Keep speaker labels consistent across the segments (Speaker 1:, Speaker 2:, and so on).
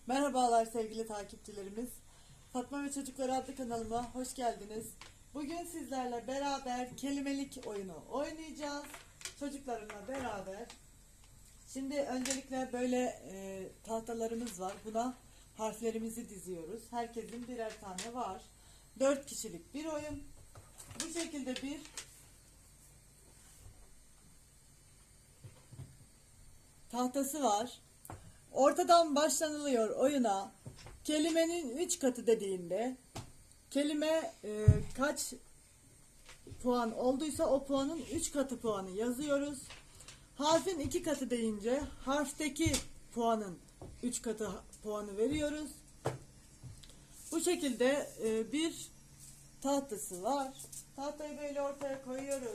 Speaker 1: Merhabalar sevgili takipçilerimiz. Fatma ve Çocukları adlı kanalıma hoş geldiniz. Bugün sizlerle beraber kelimelik oyunu oynayacağız. Çocuklarımla beraber. Şimdi öncelikle böyle tahtalarımız var. Buna harflerimizi diziyoruz. Herkesin birer tane var. 4 kişilik bir oyun. Bu şekilde bir tahtası var. Ortadan başlanılıyor oyuna. Kelimenin 3 katı dediğinde kelime kaç puan olduysa o puanın 3 katı puanı yazıyoruz. Harfin 2 katı deyince harfteki puanın 3 katı puanı veriyoruz. Bu şekilde bir tahtası var. Tahtayı böyle ortaya koyuyoruz.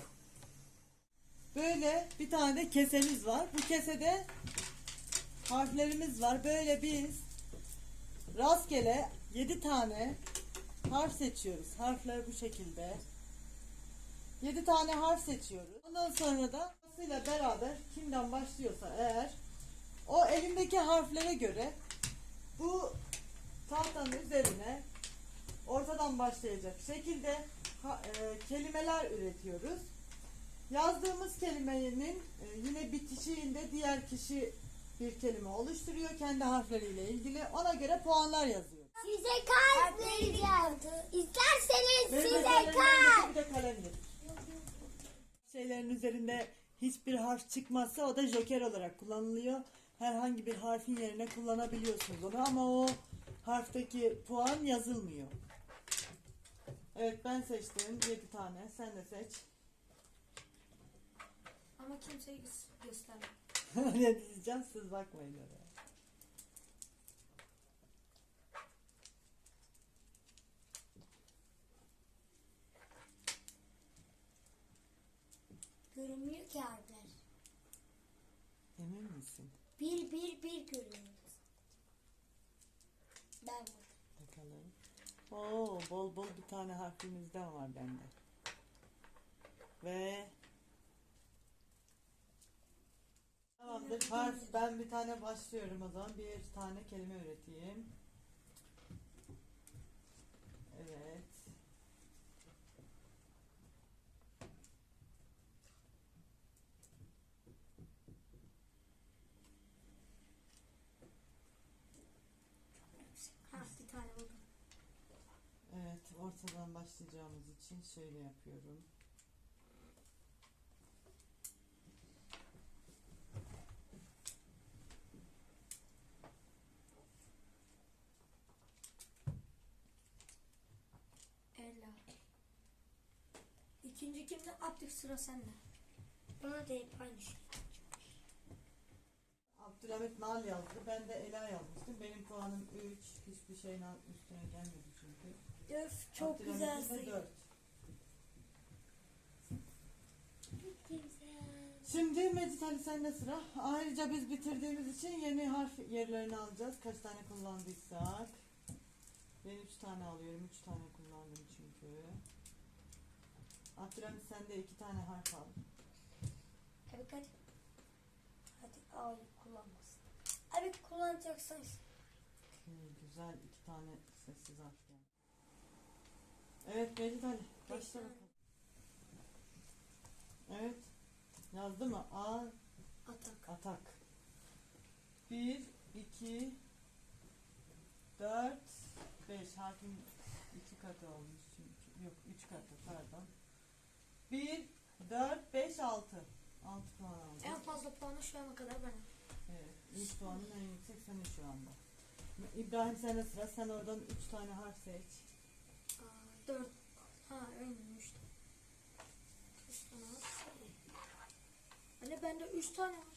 Speaker 1: Böyle bir tane de kesemiz var. Bu kesede harflerimiz var. Böyle biz rastgele 7 tane harf seçiyoruz. Harfler bu şekilde. 7 tane harf seçiyoruz. Ondan sonra da ile beraber kimden başlıyorsa eğer o elindeki harflere göre bu tahtanın üzerine ortadan başlayacak şekilde kelimeler üretiyoruz. Yazdığımız kelimenin yine bitişiğinde diğer kişi bir kelime oluşturuyor kendi harfleriyle ilgili. Ona göre puanlar yazıyor.
Speaker 2: Size kalp vereceğim. İsterseniz
Speaker 1: Benim
Speaker 2: size
Speaker 1: kalem
Speaker 2: kalp.
Speaker 1: bir de kalem getir. Şeylerin üzerinde hiçbir harf çıkmazsa o da joker olarak kullanılıyor. Herhangi bir harfin yerine kullanabiliyorsunuz onu ama o harfteki puan yazılmıyor. Evet, ben seçtim 7 tane. Sen de seç.
Speaker 3: Ama kimseye gösterme.
Speaker 1: Ne diyeceğim, siz bakmayın oraya.
Speaker 2: Görünmüyor ki harfler.
Speaker 1: Emin misin?
Speaker 2: Bir görünüyor. Ben
Speaker 1: Bakalım. Oo, bol bol bir tane harfimizden var bende. Ve tamamdır. Harf, ben bir tane başlıyorum o zaman. Bir tane kelime üreteyim. Evet.
Speaker 3: Bir tane buldum.
Speaker 1: Evet, ortadan başlayacağımız için şöyle yapıyorum.
Speaker 3: Ela. İkinci kimde? Abdük, sıra sende.
Speaker 2: bana da hep aynı şey.
Speaker 1: Abdülhamit Nal yazdı. Ben de Ela yazmıştım. Benim puanım 3. Hiçbir şeyin üstüne gelmedi çünkü.
Speaker 2: Öf, çok
Speaker 1: Abdülhamit'in de
Speaker 2: güzel.
Speaker 1: 4. Şimdi Mecit Ali, sende sıra. Ayrıca biz bitirdiğimiz için yeni harf yerlerini alacağız. Kaç tane kullandıysak. Ben 3 tane alıyorum. 3 tane kullandım çünkü. Abdülhamit, sen de 2 tane harf al.
Speaker 2: Abi hadi. Hadi al, kullanmasın. Abi kullanacaksan.
Speaker 1: Güzel, 2 tane sessiz harf geldi. Evet Mecit Ali, başla bakalım. Evet. Yazdı mı?
Speaker 3: Atak.
Speaker 1: Atak. 1, 2, 4, 5. Harfin 2 katı olmuş çünkü. Yok, 3 katı, pardon. 1, 4, 5, 6. 6 puan aldım.
Speaker 3: En fazla puanı şu ana kadar benim.
Speaker 1: Evet. İlk puanın en yüksek senin şu anda. İbrahim, sende sıra. Sen oradan 3 tane harf seç.
Speaker 3: 4. Ha, aynen 3 tane. 3 tane var. Anne, bende 3 tane var.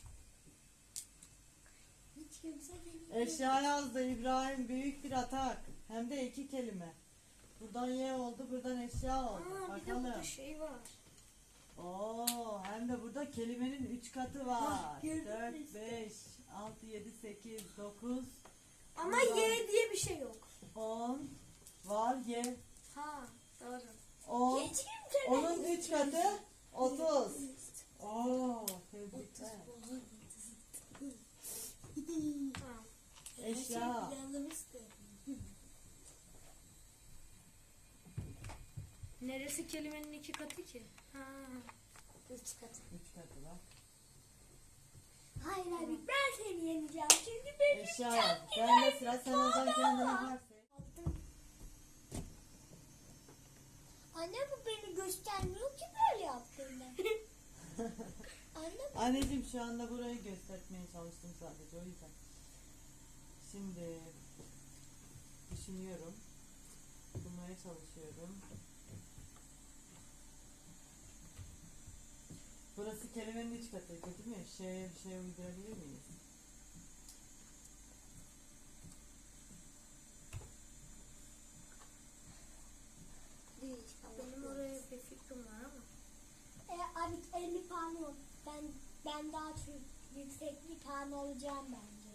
Speaker 2: Hiç kimse geliyor.
Speaker 1: Eşya yazdı İbrahim. Büyük bir atak. Hem de 2 kelime. Buradan Y oldu, buradan eşya oldu.
Speaker 3: Aa, bir de
Speaker 1: Bakalım.
Speaker 3: burada şey var.
Speaker 1: Oo, hem de burada kelimenin 3 katı var.
Speaker 2: Hah, gördün mü
Speaker 1: 4,
Speaker 2: işte?
Speaker 1: 5, 6, 7, 8, 9,
Speaker 3: Ama
Speaker 1: Burada-
Speaker 3: Y diye bir şey yok.
Speaker 1: 10 var. Y.
Speaker 2: Ha, doğru.
Speaker 1: 10.
Speaker 2: Hiç kimse
Speaker 1: Onun 3 katı 30. Oo, tebrikler.
Speaker 3: Ha.
Speaker 1: Eşya.
Speaker 2: planlamıştı.
Speaker 3: Neresi kelimenin iki katı ki? Ha.
Speaker 2: 3 katı.
Speaker 1: 3 katı var.
Speaker 2: Hayır abi ben seni yeneceğim. Çünkü benim
Speaker 1: Eşya yaz. Ben de sıra sen oradan kendine harf seç.
Speaker 2: Anne bu beni göstermiyor ki böyle yaptığında. Anne
Speaker 1: Anneciğim şu anda burayı göstermeye çalıştım sadece o yüzden. Şimdi düşünüyorum. Bulmaya çalışıyorum. Burası kelimenin iç katıydı değil mi? Bir şey uydurabilir miyiz?
Speaker 3: Benim oraya bir fikrim var ama.
Speaker 2: abi 50 puan yok. Ben daha çok yüksek bir puan alacağım bence.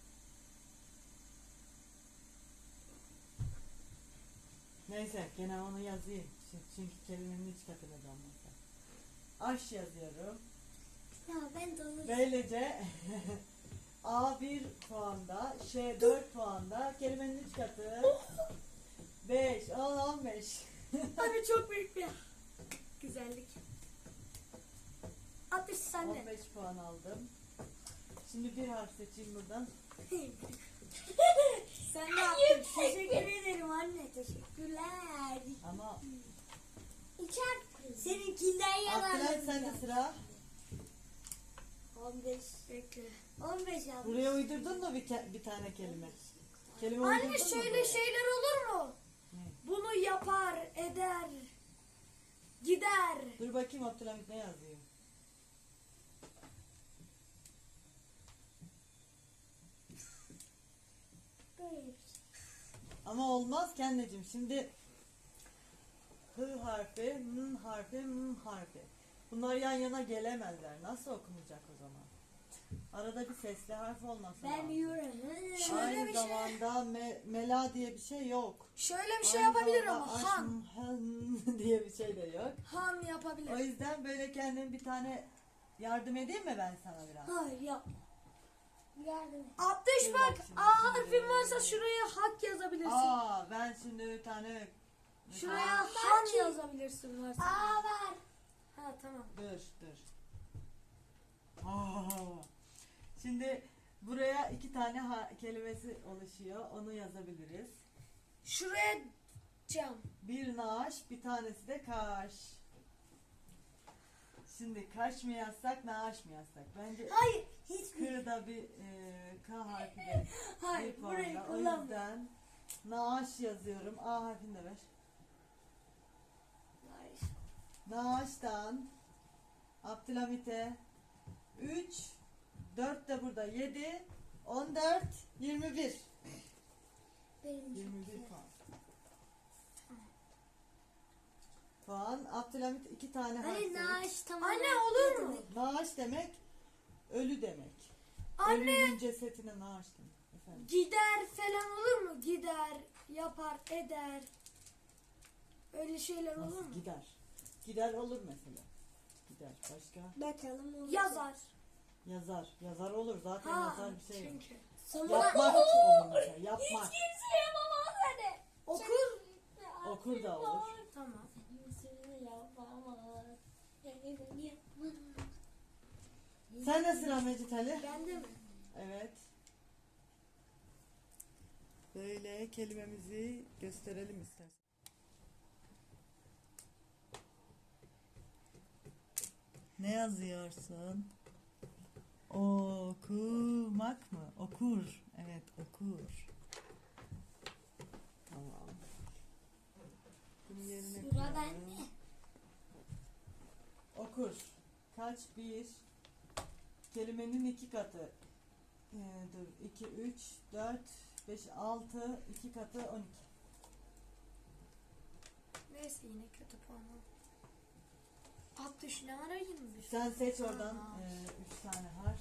Speaker 1: Neyse gene onu yazayım. Çünkü kelimenin iç katını da anlatacağım. Aş yazıyorum.
Speaker 2: Ya ben de onu
Speaker 1: Böylece A 1 puanda, Ş 4 puanda, kelimenin iç katı 5, 10, 15.
Speaker 3: Abi çok büyük bir güzellik. 60 sende.
Speaker 1: 15 puan aldım. Şimdi bir harf seçeyim buradan.
Speaker 3: Sen ne yaptın? Teşekkür ederim anne. Teşekkürler.
Speaker 1: Ama
Speaker 2: içer. Seninkinden
Speaker 1: Abdülay
Speaker 2: yalan.
Speaker 1: sende sıra.
Speaker 2: 15.
Speaker 3: Bekle.
Speaker 2: 15 yapmış.
Speaker 1: Buraya uydurdun mu bir tane kelime? Kelime
Speaker 3: Anne
Speaker 1: uydurdun mu
Speaker 3: şöyle
Speaker 1: buraya?
Speaker 3: şeyler olur mu?
Speaker 1: Ne?
Speaker 3: Bunu yapar, eder, gider.
Speaker 1: Dur bakayım Abdülhamit ne yazıyor?
Speaker 2: Böyle.
Speaker 1: Ama olmaz ki anneciğim. Şimdi H harfi, M harfi, M harfi. Bunlar yan yana gelemezler. Nasıl okunacak o zaman? Arada bir sesli harf olması
Speaker 2: Ben
Speaker 1: lazım.
Speaker 2: biliyorum.
Speaker 3: Şöyle
Speaker 1: Aynı
Speaker 3: bir şey.
Speaker 1: zamanda mela diye bir şey yok.
Speaker 3: Şöyle bir şey
Speaker 1: Aynı
Speaker 3: yapabilir
Speaker 1: zamanda
Speaker 3: ama han.
Speaker 1: han diye bir şey de yok.
Speaker 3: Han
Speaker 1: O
Speaker 3: yapabilir.
Speaker 1: yüzden böyle kendim bir tane yardım edeyim mi ben sana biraz?
Speaker 2: Hayır yapma. Yardım et.
Speaker 3: 60
Speaker 1: Dur
Speaker 3: bak.
Speaker 1: bak şimdi,
Speaker 3: A harfin varsa şuraya hak yazabilirsin.
Speaker 1: Aa ben şimdi bir tane
Speaker 3: Şuraya
Speaker 2: Aa,
Speaker 3: han
Speaker 2: belki.
Speaker 3: yazabilirsin varsa.
Speaker 2: Aa var.
Speaker 3: Ha tamam.
Speaker 1: dur. Aa. Şimdi buraya 2 tane kelimesi oluşuyor. Onu yazabiliriz.
Speaker 3: Şuraya cam.
Speaker 1: Bir naaş, bir tanesi de kaş. Şimdi kaş mı yazsak, naaş mı yazsak? Bence
Speaker 2: Hayır. Hiçbir.
Speaker 1: K'da bir K harfi de
Speaker 2: Hayır
Speaker 1: bir
Speaker 2: burayı
Speaker 1: puanla. O
Speaker 2: kullanma.
Speaker 1: yüzden naaş yazıyorum. A harfini de ver.
Speaker 2: Hayır.
Speaker 1: Naaş'tan Abdülhamit'e 3, 4 de burada 7, 14, 21.
Speaker 2: Benim
Speaker 1: 21 puan. Puan. Abdülhamit 2 tane harf.
Speaker 2: Hani naaş tamam.
Speaker 3: Anne olur mu?
Speaker 1: Naaş demek ölü demek.
Speaker 3: Anne
Speaker 1: Ölünün cesetine naaş demek. Efendim.
Speaker 3: gider falan olur mu? Gider, yapar, eder. Öyle şeyler olur
Speaker 1: Nasıl
Speaker 3: mu?
Speaker 1: gider? Gider olur mesela. Gider. Başka?
Speaker 2: Bakalım olur.
Speaker 3: Yazar.
Speaker 1: Yazar. Yazar olur. Zaten
Speaker 3: Ha
Speaker 1: yazar bir şey yok.
Speaker 3: çünkü.
Speaker 1: Yapmak olur mesela. Yapmak.
Speaker 2: Kimse yapamaz hadi.
Speaker 3: Okur.
Speaker 1: Okur da olur.
Speaker 3: Tamam.
Speaker 2: Kimse yapamaz. Yapamaz.
Speaker 1: Sen de sıra Mecit Ali.
Speaker 3: Bende mi?
Speaker 1: Evet. Böyle kelimemizi gösterelim istersen. Ne yazıyorsun? Okumak mı? Okur. Evet, okur. Tamam. Bunu yerine
Speaker 2: Sıra
Speaker 1: koyalım.
Speaker 2: bende.
Speaker 1: Okur. Kaç? Bir. Kelimenin 2 katı. Dur. 2, 3, 4, 5, 6. 2 katı 12.
Speaker 3: Neyse yine kötü puan oldu. 60 ne ara 21?
Speaker 1: Sen seç oradan
Speaker 3: Tamam.
Speaker 1: 3 tane harf.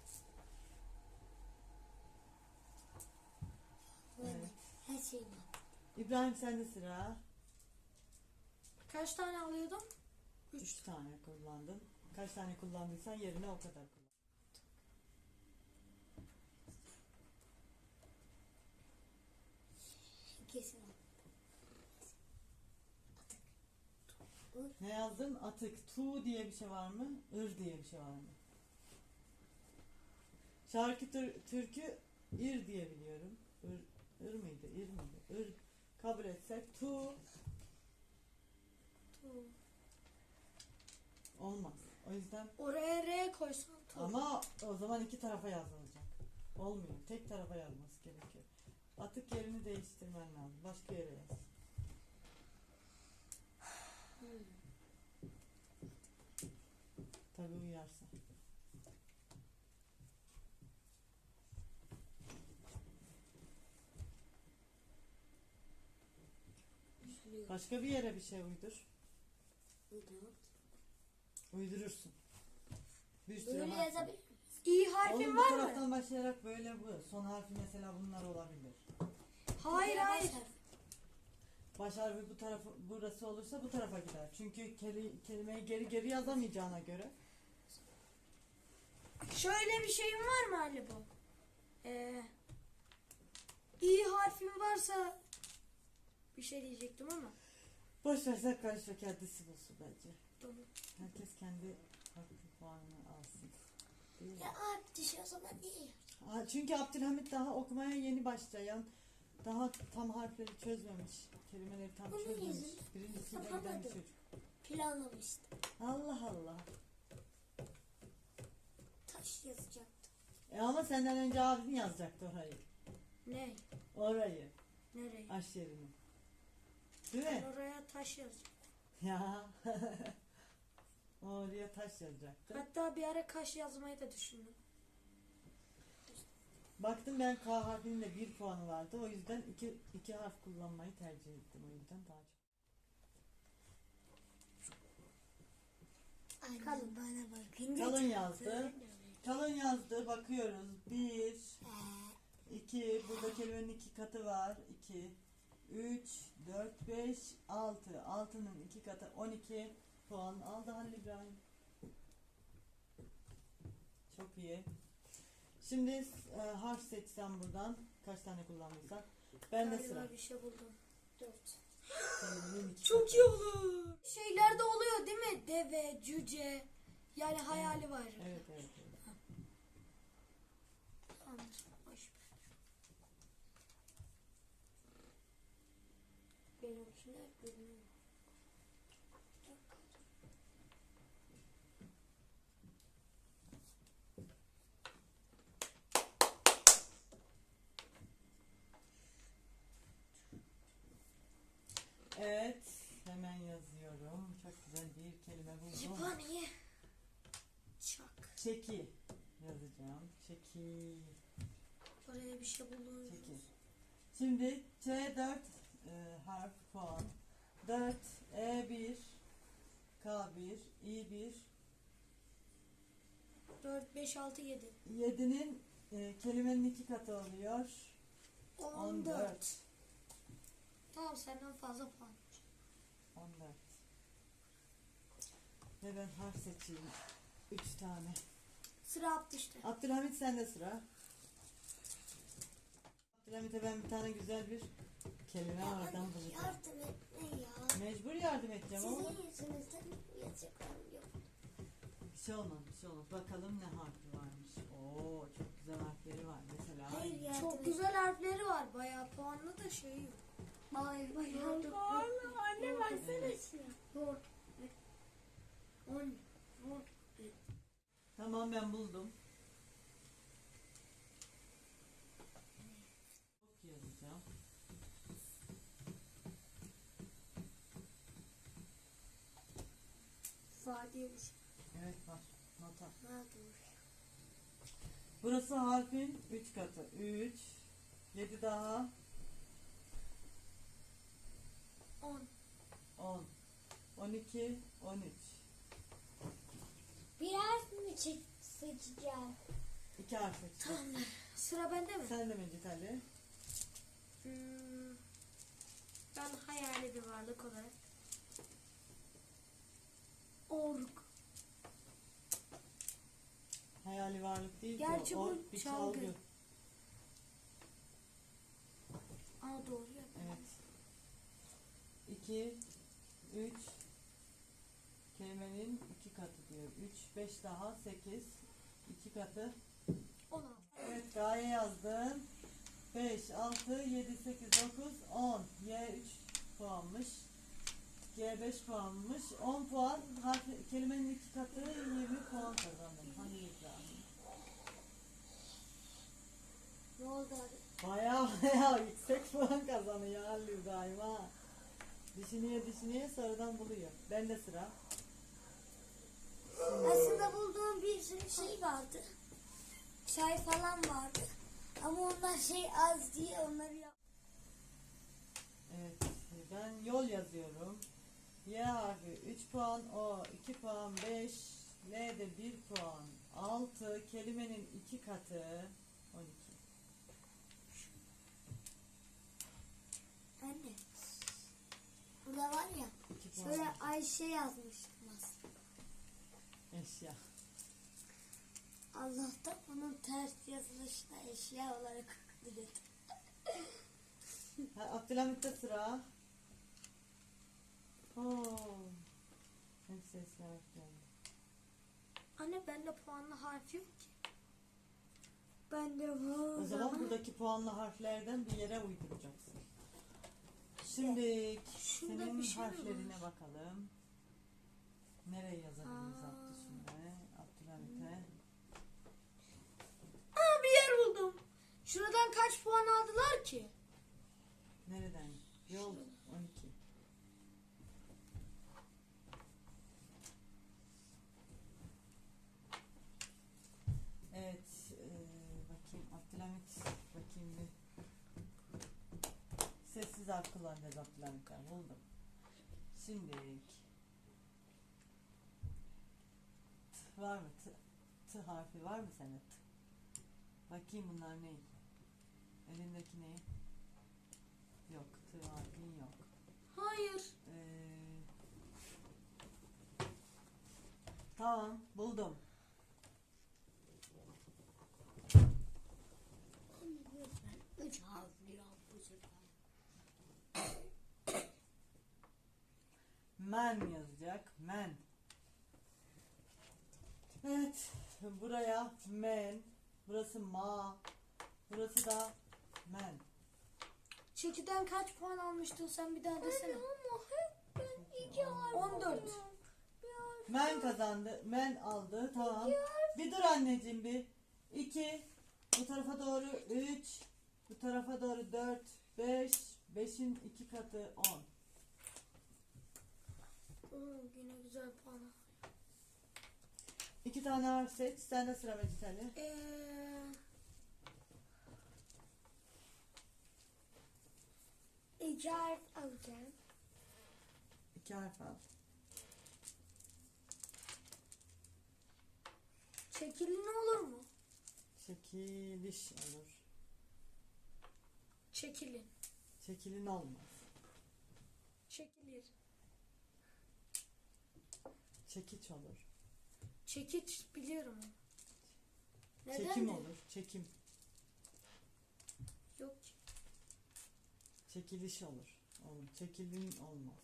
Speaker 1: Evet.
Speaker 2: Her şey var.
Speaker 1: İbrahim sende sıra.
Speaker 3: Kaç tane alıyordum?
Speaker 1: 3 tane kullandın. Kaç tane kullandıysan yerine o kadar kullan. Ne yazdın? Atık. Tu diye bir şey var mı? Ir diye bir şey var mı? Şarkı türkü ir diye biliyorum. Ir miydi? İr miydi? Ir kabul etsek tu
Speaker 3: Tu.
Speaker 1: olmaz. O yüzden
Speaker 3: Oraya R koysan tu.
Speaker 1: ama o zaman iki tarafa yazılacak. Olmuyor. Tek tarafa yazması gerekiyor. Atık yerini değiştirmen lazım. Başka yere yaz. Tabii uyarsa. Başka bir yere bir şey uydur. Uydurursun. Bir sürü
Speaker 2: Böyle
Speaker 1: harf.
Speaker 2: yazabilir miyim?
Speaker 3: İ harfin
Speaker 1: Oğlum bu
Speaker 3: var mı?
Speaker 1: taraftan başlayarak böyle bu. Son harfi mesela bunlar olabilir.
Speaker 3: Hayır hayır.
Speaker 1: Baş harfi bu tarafı burası olursa bu tarafa gider. Çünkü kelimeyi geri geri yazamayacağına göre.
Speaker 3: Şöyle bir şeyin var mı Ali bu? İ harfin varsa bir şey diyecektim ama.
Speaker 1: Boş versen karışma, kendisi bulsun bence.
Speaker 3: Tamam.
Speaker 1: Herkes kendi hakkı puanını alsın. Değil mi?
Speaker 2: Ya abi düşüyor o zaman iyi.
Speaker 1: Çünkü Abdülhamit daha okumaya yeni başlayan, daha tam harfleri çözmemiş, kelimeleri tam
Speaker 2: Bunun
Speaker 1: çözmemiş.
Speaker 2: yüzü
Speaker 1: Birincisiyle giden
Speaker 2: yapamadım.
Speaker 1: bir çocuk.
Speaker 2: Planlamıştım.
Speaker 1: Allah Allah.
Speaker 2: Taş yazacaktım.
Speaker 1: Ama senden önce abin yazacaktı orayı.
Speaker 3: Ne?
Speaker 1: Orayı.
Speaker 3: Nereye?
Speaker 1: Aş yerini. Değil
Speaker 3: Ben
Speaker 1: mi?
Speaker 3: oraya taş yazacağım.
Speaker 1: Ya. Oraya taş yazacaktı.
Speaker 3: Hatta bir ara kaş yazmayı da düşündüm.
Speaker 1: Baktım ben K harfinin de 1 puanı vardı. O yüzden iki harf kullanmayı tercih ettim. O yüzden daha çok.
Speaker 2: Kalın bana bakın.
Speaker 1: Kalın yazdı. Kalın yazdı. Bakıyoruz. 1, 2. Burada kelimenin 2 katı var. 2, 3, 4, 5, 6. 6'nın 2 katı 12 puan aldı Halil İbrahim. Çok iyi. Şimdi harf seçsem buradan. Kaç tane kullandıysak. Ben de
Speaker 3: Galiba
Speaker 1: sıra.
Speaker 3: bir şey buldum.
Speaker 2: 4.
Speaker 1: Kelimenin 2
Speaker 3: Çok
Speaker 1: katı.
Speaker 3: iyi olur. Şeylerde oluyor değil mi? Deve, cüce. Yani hayali var.
Speaker 1: Evet, evet, evet.
Speaker 3: Tamamdır. Boş ver. Benimkiler görünüyor.
Speaker 1: Evet, hemen yazıyorum. Çok güzel bir kelime buldum.
Speaker 3: Yıpaniye. Çak.
Speaker 1: Çeki yazacağım. Çeki.
Speaker 3: Oraya bir şey buldum.
Speaker 1: Çeki. Şimdi C4 harf puan. 4, E1, K1, İ1.
Speaker 3: 4, 5, 6, 7.
Speaker 1: 7'nin kelimenin 2 katı oluyor.
Speaker 3: 14. Tamam senden fazla puan.
Speaker 1: 14. Ve ben harf seçeyim. 3 tane.
Speaker 3: Sıra attı işte.
Speaker 1: Abdülhamit sende sıra. Abdülhamit'e ben bir tane güzel bir kelime oradan bulacağım.
Speaker 2: Yardım etme ya.
Speaker 1: Mecbur yardım edeceğim ama
Speaker 2: Sizin yüzünüzden yazacaklarım yok.
Speaker 1: bir şey olmaz, bir şey olmaz. Bakalım ne harfi varmış. Oo, çok güzel harfleri var. Mesela
Speaker 2: Hayır yardım
Speaker 3: Çok güzel harfleri var. Bayağı puanlı da şey yok.
Speaker 2: Hayır hayır.
Speaker 3: Anne
Speaker 1: versene
Speaker 3: Zor. 10. Zor.
Speaker 1: tamam, ben buldum. Çok yazacağım.
Speaker 3: Fa diye bir şey.
Speaker 1: Evet, var. Nota.
Speaker 3: Ha, doğru.
Speaker 1: Burası harfin 3 katı. 3, 7 daha
Speaker 3: 10.
Speaker 1: 10, 12, 13.
Speaker 2: Bir harf mi seçeceğim?
Speaker 1: 2 harf seçtim.
Speaker 3: Tamam. Sıra bende mi?
Speaker 1: Sen de Mecit Ali.
Speaker 3: Ben hayali bir varlık olarak. Org.
Speaker 1: Hayali varlık değil
Speaker 3: Gerçi
Speaker 1: ki.
Speaker 3: bu
Speaker 1: O bir
Speaker 3: çalgı.
Speaker 1: çalgı.
Speaker 3: Aa doğru ya.
Speaker 1: Evet. 2, 3, kelimenin 2 katı diyor. 3, 5 daha 8. 2 katı.
Speaker 3: 16.
Speaker 1: Evet, gaye yazdım. 5, 6, 7, 8, 9, 10. Y 3 puanmış. G 5 puanmış. 10 puan. Kelimenin 2 katı 20 puan kazandım. Hani İbrahim.
Speaker 2: Ne oldu abi?
Speaker 1: Baya yüksek puan kazanıyor Halil İbrahim ha. Düşünüyor sonradan buluyor. Bende sıra.
Speaker 2: Aslında bulduğum bir sürü şey vardı. Çay falan vardı. Ama onlar şey az diye onları yap.
Speaker 1: Evet, ben yol yazıyorum. Y harfi 3 puan, O 2 puan, 5, L de 1 puan, 6, kelimenin 2 katı 12.
Speaker 2: Anne. Burada var ya.
Speaker 1: 2 puan
Speaker 2: Şöyle Ayşe yazmıştım aslında.
Speaker 1: eşya.
Speaker 2: Allah'tan onun ters yazılışına eşya olarak bilir.
Speaker 1: Abdülhamit'te sıra. Oo. Hep sesler geldi.
Speaker 3: Anne bende puanlı harf yok ki. Bende var.
Speaker 1: O zaman buradaki puanlı harflerden bir yere uyduracaksın. Şimdi
Speaker 3: şurada
Speaker 1: senin
Speaker 3: bir şey mi
Speaker 1: harflerine bakalım. Nereye yazabiliriz
Speaker 3: Aa.
Speaker 1: Abdülhamit'e? Abdülhamit'e.
Speaker 3: Aa, bir yer buldum. Şuradan kaç puan aldılar ki?
Speaker 1: Nereden? Yol 12. Evet, bakayım Abdülhamit, bakayım bir. Sessiz harf kullanacağız Abdülhamit'ten, buldum. Şimdi T var mı? T harfi var mı sende? T. Bakayım bunlar ne? Elindeki ne? Yok, T harfin yok.
Speaker 3: Hayır.
Speaker 1: Tamam, buldum.
Speaker 2: Lütfen 3 harfli yap bu sefer.
Speaker 1: Men yazacak. Men. Evet. Buraya men. Burası ma. Burası da men.
Speaker 3: Çekiden kaç puan almıştın sen bir daha desene.
Speaker 2: Ama hep ben 2 harf
Speaker 3: 14.
Speaker 1: Men kazandı. Men aldı. Tamam. Bir dur anneciğim bir. 2. Bu tarafa doğru 3. Bu tarafa doğru 4. 5. 5'in 2 katı 10.
Speaker 3: Yine güzel puan.
Speaker 1: 2 tane harf seç. Sende sıra Mecit Ali.
Speaker 2: 2 harf alacağım.
Speaker 1: 2 harf al.
Speaker 3: Çekilin olur mu?
Speaker 1: Çekiliş olur.
Speaker 3: Çekilin.
Speaker 1: Çekilin olmaz.
Speaker 3: Çekilir.
Speaker 1: Çekiç olur.
Speaker 3: Çekiç biliyorum. Neden
Speaker 1: Çekim
Speaker 3: de?
Speaker 1: olur. Çekim.
Speaker 3: Yok ki.
Speaker 1: Çekiliş olur. Çekilin olmaz.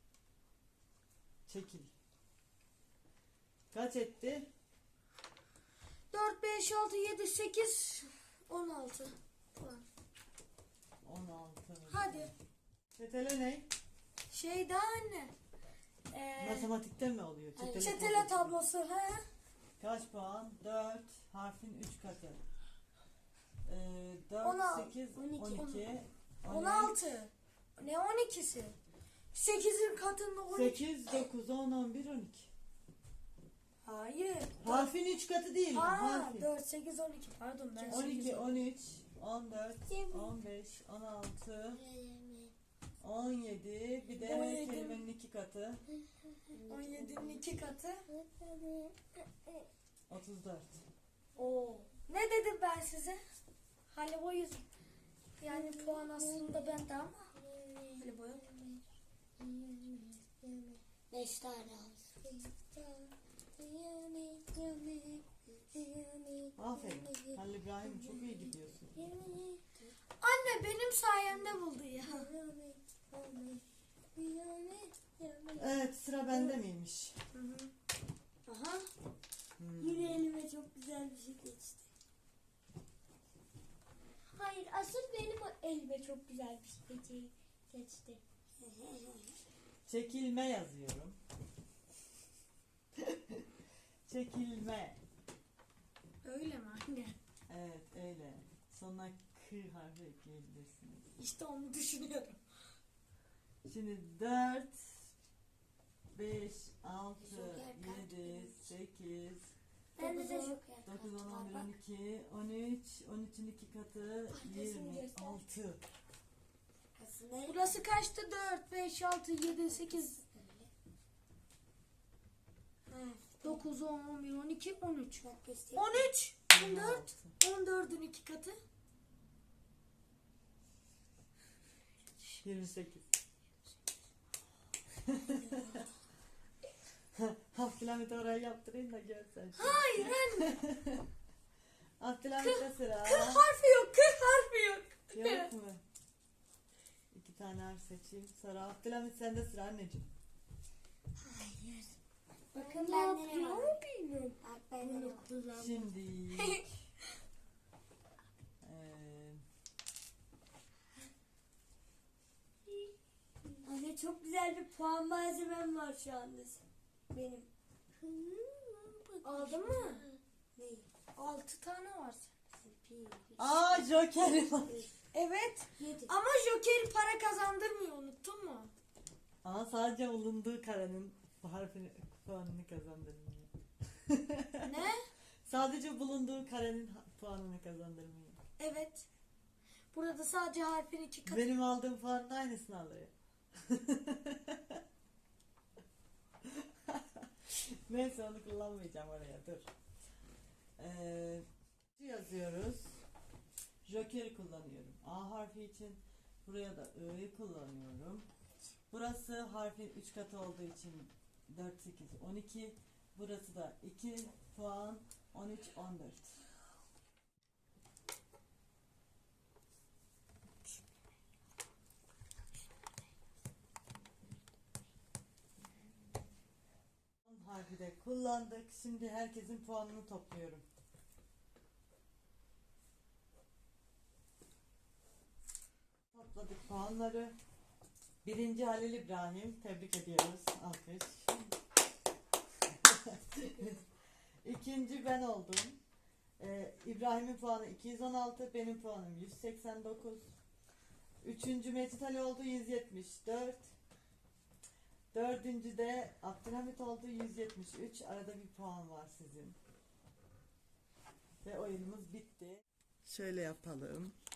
Speaker 1: Çekil. Kaç etti?
Speaker 3: 4, 5, 6, 7, 8, 16 puan.
Speaker 1: 16.
Speaker 3: Hadi.
Speaker 1: Çetele ne?
Speaker 3: Şey daha anne.
Speaker 1: Matematikte mi oluyor?
Speaker 3: Çetele tablosu. He?
Speaker 1: Kaç puan? 4. Harfin 3 katı. 4,
Speaker 3: 16,
Speaker 1: 8,
Speaker 3: 12,
Speaker 1: 12.
Speaker 3: 16. Ne 12'si? 8'in katında 12.
Speaker 1: 8, 9, 10, 11, 12.
Speaker 3: Hayır.
Speaker 1: Harfin 3 katı değil mi?
Speaker 3: Ha,
Speaker 1: Harfin.
Speaker 3: 4, 8, 12. Pardon ben
Speaker 1: 12,
Speaker 3: 8.
Speaker 1: 13, 14, 15, 16, 17. Bir de
Speaker 3: 17.
Speaker 1: kelimenin 2 katı.
Speaker 3: 17'nin 2 katı.
Speaker 1: 34.
Speaker 3: Oo. Ne dedim ben size? Halibo 100. Yani puan aslında bende ama. Halibo yok.
Speaker 2: 5 tane harf.
Speaker 1: Aferin. Halil İbrahim çok iyi gidiyorsun.
Speaker 3: Anne benim sayemde buldu ya.
Speaker 1: Evet, sıra bende miymiş?
Speaker 3: Hı hı. Aha.
Speaker 2: Yine elime çok güzel bir şey geçti.
Speaker 4: Hayır, asıl benim elime çok güzel bir şey geçti.
Speaker 1: Çekilme yazıyorum. Çekilme.
Speaker 3: Öyle mi anne?
Speaker 1: Evet, öyle. Sonuna k harfi ekleyebilirsiniz.
Speaker 3: İşte onu düşünüyorum.
Speaker 1: Şimdi 4, 5, 6,
Speaker 2: Joker
Speaker 1: 7, 8,
Speaker 2: Bende de çok
Speaker 1: 9, 10, 11, 12, 13, 13'ün 2 katı, 26.
Speaker 2: Aslında
Speaker 3: Burası kaçtı? 4, 5, 6, 7, 8, 9, 10, 11, 12, 13. 13, 14, 14'ün 2 katı.
Speaker 1: 28. Abdülhamit orayı yaptırayım da görsen.
Speaker 3: Hayır anne.
Speaker 1: Abdülhamit'te sıra.
Speaker 3: Harfi yok, harfi yok.
Speaker 1: Yok mu? 2 tane harf seçeyim. Sonra Abdülhamit sende sıra anneciğim.
Speaker 2: bakın
Speaker 4: Ne
Speaker 2: bende ne
Speaker 4: yapıyor
Speaker 2: var.
Speaker 4: bilmiyorum.
Speaker 2: Bak bende ne var.
Speaker 1: Şimdi
Speaker 2: Anne çok güzel bir puan malzemem var şu anda. Benim.
Speaker 3: Aldın mı?
Speaker 2: Neyi?
Speaker 3: 6 tane var.
Speaker 1: aa Joker'i var.
Speaker 3: Evet.
Speaker 2: 7.
Speaker 3: Ama Joker para kazandırmıyor, unuttun mu?
Speaker 1: Ama sadece bulunduğu karenin harfini puanını kazandırmıyor.
Speaker 3: Ne?
Speaker 1: Sadece bulunduğu karenin puanını kazandırmıyor.
Speaker 3: Evet. Burada sadece harfin 2 katı.
Speaker 1: Benim aldığım puanın aynısını alıyor. Neyse onu kullanmayacağım oraya dur. Yazıyoruz. Joker'i kullanıyorum. A harfi için buraya da I'yi kullanıyorum. Burası harfin 3 katı olduğu için 4, 8, 12. Burası da 2 puan 13, 14. Harfi de kullandık. Şimdi herkesin puanını topluyorum. Topladık puanları. Birinci Halil İbrahim. Tebrik ediyoruz. Alkış. İkinci ben oldum. İbrahim'in puanı 216. Benim puanım 189. Üçüncü Mecit Ali oldu 174. Dördüncü de Abdülhamit oldu 173. Arada bir puan var sizin. Ve oyunumuz bitti. Şöyle yapalım.